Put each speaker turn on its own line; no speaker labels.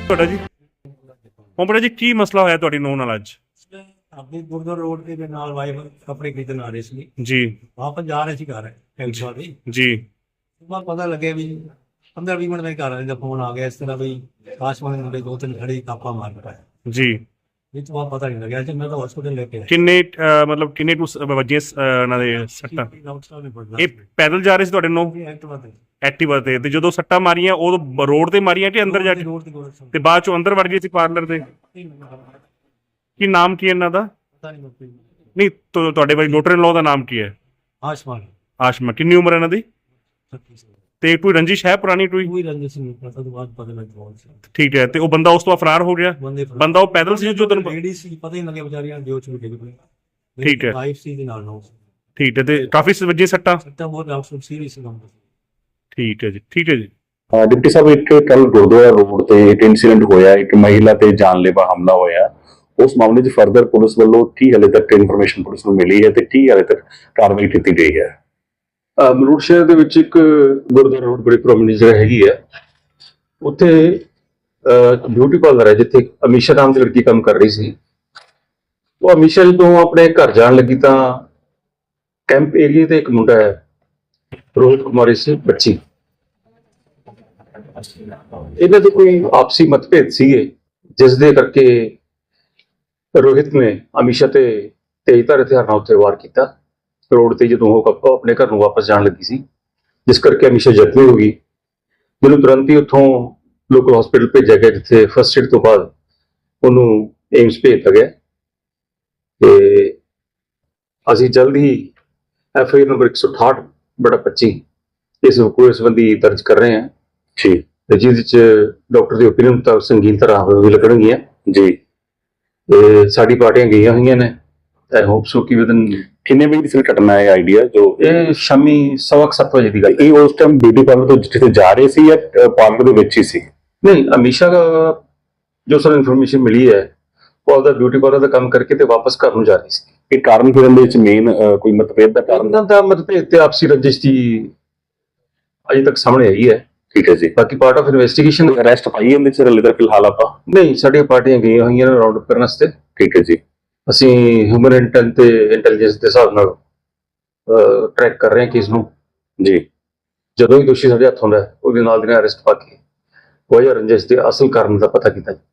ਤੁਹਾਡਾ ਜੀ ਓਮਪਰਾ ਜੀ ਕੀ ਮਸਲਾ ਹੋਇਆ ਤੁਹਾਡੀ ਨੂੰਹ ਨਾਲ ਅੱਜ?
ਆਪਣੀ ਗੁਰਦੁਆਰਾ ਰੋਡ ਦੇ ਨਾਲ ਵਾਈਫ ਕੱਪੜੇ ਖਰੀਦਣ ਆ ਰਹੇ ਸੀ
ਜੀ
ਵਾਪਸ ਜਾ ਰਹੇ ਸੀ ਘਰ ਐਕਚੁਅਲ ਦੀ
ਜੀ
ਸੁਬਾਹ ਪਤਾ ਲੱਗਿਆ ਵੀ 15-20 ਮਿੰਟ ਵਿੱਚ ਘਰ ਵਾਲੇ ਦਾ ਫੋਨ ਆ ਗਿਆ ਇਸ ਤਰ੍ਹਾਂ ਵੀ ਆਕਾਸ਼ਵਾਣੀ ਮੁੰਡੇ ਦੋ ਤਿੰਨ ਖੜੇ ਕਾਪਾ ਮਾਰ ਪਾਇਆ
ਜੀ
ਵਿੱਚ ਬਾਅਦ ਪਤਾ ਨਹੀਂ ਲੱਗਿਆ ਜੀ ਮੈਂ ਤਾਂ ਹਸਪੀਟਲ ਲੈ ਕੇ
ਕਿੰਨੇ ਮਤਲਬ ਕਿੰਨੇ ਟੂ ਵੱਜੀਆਂ ਉਹਨਾਂ ਦੇ ਸੱਟਾਂ? ਇਹ ਪੈਦਲ ਜਾ ਰਹੇ ਸੀ ਤੁਹਾਡੇ ਨੂੰ ਐਕਟਿਵਾ ਤੇ ਜਦੋਂ ਸੱਟਾਂ ਮਾਰੀਆਂ ਉਦੋਂ ਰੋਡ ਤੇ ਮਾਰੀਆਂ ਕਿ ਅੰਦਰ ਜਾ ਕੇ ਤੇ ਬਾਅਦ ਚੋਂ ਅੰਦਰ ਵੜ ਗਏ ਸੀ ਪਾਰਲਰ ਦੇ? ਕੀ ਨਾਮ ਕੀ ਇਹਨਾਂ ਦਾ? ਨਹੀਂ ਤੁਹਾਡੇ ਬਾਈ ਡਾਕਟਰ ਇਨ ਲਾਅ ਦਾ ਨਾਮ ਕੀ ਹੈ? ਆਸ਼ਮਾ। ਕਿੰਨੀ ਉਮਰ ਹੈ ਇਹਨਾਂ ਦੀ? ਤੇ ਕੋਈ ਰੰਜਿਸ਼ ਹੈ ਪੁਰਾਣੀ ਕੋਈ ਰੰਜਿਸ਼ ਨਹੀਂ ਪਤਾ ਤੋਂ ਬਾਅਦ ਪਤਾ ਲੱਗ ਠੀਕ ਹੈ। ਤੇ ਉਹ ਬੰਦਾ ਉਸ ਤੋਂ ਫਰਾਰ ਹੋ ਗਿਆ? ਬੰਦਾ ਉਹ ਪੈਦਲ ਸੀ ਜੋ ਤੈਨੂੰ ਲੇਡੀ ਸੀ ਪਤਾ ਹੀ ਨਹੀਂ ਲੱਗਿਆ ਵਿਚਾਰੀਆਂ ਜੋ ਚੁੱਕ ਗਈ। ਠੀਕ ਹੈ ਲਾਈਫ ਸੀ ਦੇ ਨਾਲ ਠੀਕ ਹੈ। ਤੇ ਕਾਫੀ ਵੱਜੀਆਂ ਸੱਟਾਂ ਬਹੁਤ ਡਾਕਟਰ ਸੀਰੀਅਸ ਸੀ। ਠੀਕ ਹੈ ਜੀ ਠੀਕ ਹੈ ਜੀ।
डिप्टी साहब एक कल गुरुद्वारा रोड ਤੇ ਇੱਕ ਇਨਸੀਡੈਂਟ ਹੋਇਆ ਇੱਕ ਮਹਿਲਾ ਤੇ ਜਾਨਲੇਵਾ ਹਮਲਾ ਹੋਇਆ ਉਸ ਮਾਮਲੇ 'ਚ ਫਰਦਰ ਪੁਲਿਸ ਵੱਲੋਂ ਕੀ ਹਾਲੇ ਤੱਕ ਇਨਫੋਰਮੇਸ਼ਨ ਪੁਲਿਸ ਨੂੰ ਮਿਲੀ ਹੈ ਤੇ ਕੀ ਹਾਲੇ ਤੱਕ ਕਾਰਵਾਈ ਕੀਤੀ ਗਈ ਹੈ?
ਮਲੂਟ ਸ਼ਹਿਰ ਦੇ ਵਿੱਚ ਇੱਕ ਗੁਰਦੁਆਰਾ ਰੋਡ ਬੜੀ ਪ੍ਰੋਮਿਨੈਂਟ ਜਗ੍ਹਾ ਹੈਗੀ ਹੈ ਉੱਥੇ ਬਿਊਟੀ ਪਾਰਲਰ ਹੈ ਜਿੱਥੇ ਅਮੀਸ਼ਾ ਨਾਮ ਦੀ ਲੜਕੀ ਕੰਮ ਕਰ ਰਹੀ ਸੀ। ਉਹ ਅਮੀਸ਼ਾ ਜਦੋਂ ਆਪਣੇ ਘਰ ਜਾਣ ਲੱਗੀ ਤਾਂ ਕੈਂਪ ਏਰੀਆ ਤੇ ਇੱਕ ਮੁੰਡਾ ਹੈ ਰੋਹਿਤ ਕੁਮਾਰ ਇਸ ਬੱਚੀ ਇਹਨਾਂ ਦੇ ਕੋਈ ਆਪਸੀ ਮਤਭੇਦ ਸੀਗੇ ਜਿਸ ਦੇ ਕਰਕੇ ਰੋਹਿਤ ਨੇ ਅਮੀਸ਼ਾ ਤੇ ਤੇਜ਼ਧਾਰ ਹਥਿਆਰ ਨਾਲ ਉੱਤੇ ਵਾਰ ਕੀਤਾ ਰੋਡ ਤੇ ਜਦੋਂ ਉਹ ਆਪਣੇ ਘਰ ਨੂੰ ਵਾਪਸ ਜਾਣ ਲੱਗੀ ਸੀ ਜਿਸ ਕਰਕੇ ਅਮੀਸ਼ਾ ਜ਼ਖਮੀ ਹੋ ਗਈ ਜਿਹਨੂੰ ਤੁਰੰਤ ਹੀ ਉੱਥੋਂ ਲੋਕਲ ਹਸਪੀਟਲ ਭੇਜਿਆ ਗਿਆ ਜਿੱਥੇ ਫਸਟ ਏਡ ਤੋਂ ਬਾਅਦ ਉਹਨੂੰ ਏਮਸ ਭੇਜ ਦਿੱਤਾ ਗਿਆ ਤੇ ਅਸੀਂ ਜਲਦ ਹੀ FIR ਨੰਬਰ 168/25 ਇਸ ਕੋਈ ਸੰਬੰਧੀ ਦਰਜ ਕਰ ਰਹੇ ਹਾਂ ਜੀ ਜਿਹਦੇ ਚ ਡਾਕਟਰ ਦੀ ਓਪੀਨੀਅਨ ਮੁਤਾਬਕ ਸੰਗੀਨ ਤਰ੍ਹਾਂ ਵੀ ਲੱਗਣਗੀਆਂ ਜੀ ਤੇ ਸਾਡੀ ਪਾਰਟੀਆਂ ਗਈਆਂ ਹੋਈਆਂ ਨੇ ਆਈ ਹੋਪ ਸੋ ਕਿ ਵਿਦਨ
ਕਿੰਨੇ ਵਜੇ ਦੀ ਸੀ ਘਟਨਾ ਹੈ ਆਈਡੀਆ ਜੋ
ਇਹ ਸ਼ਾਮੀ 7:15 ਵਜੇ ਦੀ ਗੱਲ
ਇਹ ਉਸ ਟਾਈਮ ਬਿਊਟੀ ਪਾਰਲਰ ਤੋਂ ਜਿੱਥੇ ਜਾ ਰਹੇ ਸੀ ਜਾਂ ਪਾਰਲਰ ਦੇ ਵਿੱਚ ਹੀ ਸੀ?
ਨਹੀਂ ਅਮੀਸ਼ਾ ਦਾ ਜੋ ਸਾਨੂੰ ਇਨਫੋਰਮੇਸ਼ਨ ਮਿਲੀ ਹੈ ਉਹ ਆਪਦਾ ਬਿਊਟੀ ਪਾਰਲਰ ਦਾ ਕੰਮ ਕਰਕੇ ਤੇ ਵਾਪਸ ਘਰ ਨੂੰ ਜਾ ਰਹੀ ਸੀ।
ਇਹ ਕਾਰਨ ਫਿਰਨ ਦੇ ਵਿੱਚ ਮੇਨ ਕੋਈ ਮਤਭੇਦ ਦਾ ਕਾਰਨ
ਇਹਨਾਂ ਦਾ ਮਤਭੇਦ ਤੇ ਆਪਸੀ ਰੰਜਿਸ਼ ਦੀ ਅਜੇ ਤੱਕ ਸਾਹਮਣੇ ਆਈ ਹੈ।
ਠੀਕ ਹੈ ਜੀ।
ਬਾਕੀ ਪਾਰਟ ਆਫ ਇਨਵੈਸਟੀਗੇਸ਼ਨ
ਅਰੈਸਟ ਪਾਈ ਇਹਦੇ ਚ ਹਲੇ ਤੱਕ ਫਿਲਹਾਲ ਆਪਾਂ
ਨਹੀਂ ਸਾਡੀਆਂ ਪਾਰਟੀਆਂ ਗਈਆਂ ਹੋਈਆਂ ਨੇ ਰਾਉਂਡ ਅਪ ਕਰਨ ਵਾਸਤੇ।
ਠੀਕ ਹੈ ਜੀ।
ਅਸੀਂ ਹਿਊਮਨ ਇੰਟੈਲ ਤੇ ਇੰਟੈਲੀਜੈਂਸ ਦੇ ਹਿਸਾਬ ਨਾਲ ਟਰੈਕ ਕਰ ਰਹੇ ਹਾਂ ਕੇਸ ਨੂੰ
ਜੀ।
ਜਦੋਂ ਹੀ ਦੋਸ਼ੀ ਸਾਡੇ ਹੱਥ ਹੁੰਦਾ ਉਹਦੇ ਨਾਲ ਦੀ ਨਾਲ ਅਰੈਸਟ ਪਾ ਕੇ ਵਜ੍ਹਾ ਰੰਜਿਸ਼ ਦੇ ਅਸਲ ਕਾਰਨ ਦਾ ਪਤਾ ਕੀਤਾ